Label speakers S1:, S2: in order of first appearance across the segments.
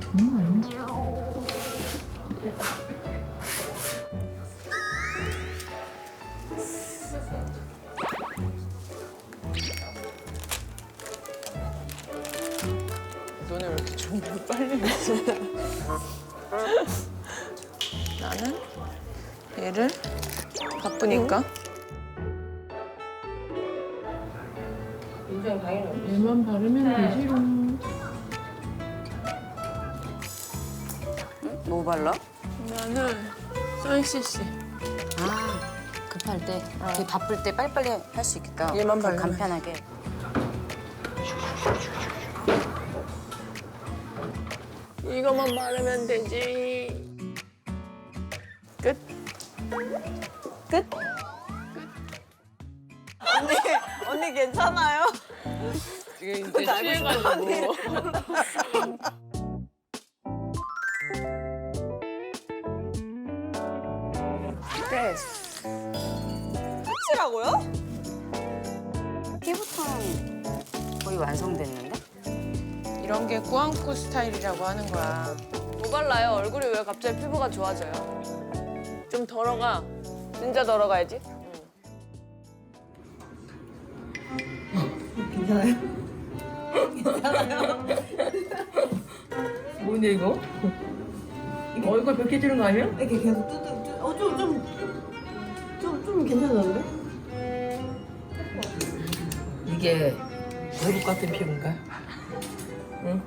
S1: 너네 왜 이렇게 준비 빨리 했어? 나는 얘를 바쁘니까
S2: 얘만 바르면 되지롱.
S3: 뭐 발라?
S1: 나는 써있을씨.
S3: 아, 급할 때, 되게 바쁠 때 빨리빨리 할 수 있겠다.
S1: 얘만 바르면.
S3: 간편하게.
S1: 이거만 바르면 되지. 끝. 끝.
S4: 언니 괜찮아요?
S1: 이게 이제 취해가지고.
S3: 그래.
S4: 확실하고요?
S3: 피부톤 거의 완성됐는데?
S1: 이런 게 꾸안꾸 스타일이라고 하는 거야.
S4: 뭐 발라요? 얼굴이 왜 갑자기 피부가 좋아져요? 좀 덜어가. 진짜 덜어가야지.
S2: 뭔데 이거? 얼굴 벽해 지는 거 아니야?
S5: 이렇게 계속 좀 괜찮은데?
S2: 이게 외국 같은 피부인가? 응?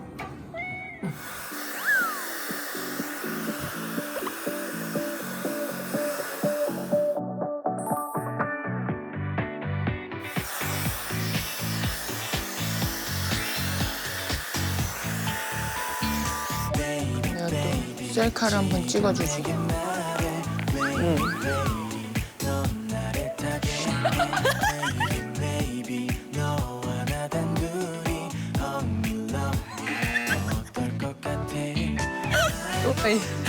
S1: 내가 또 셀카를 한번 찍어주지. 응. 또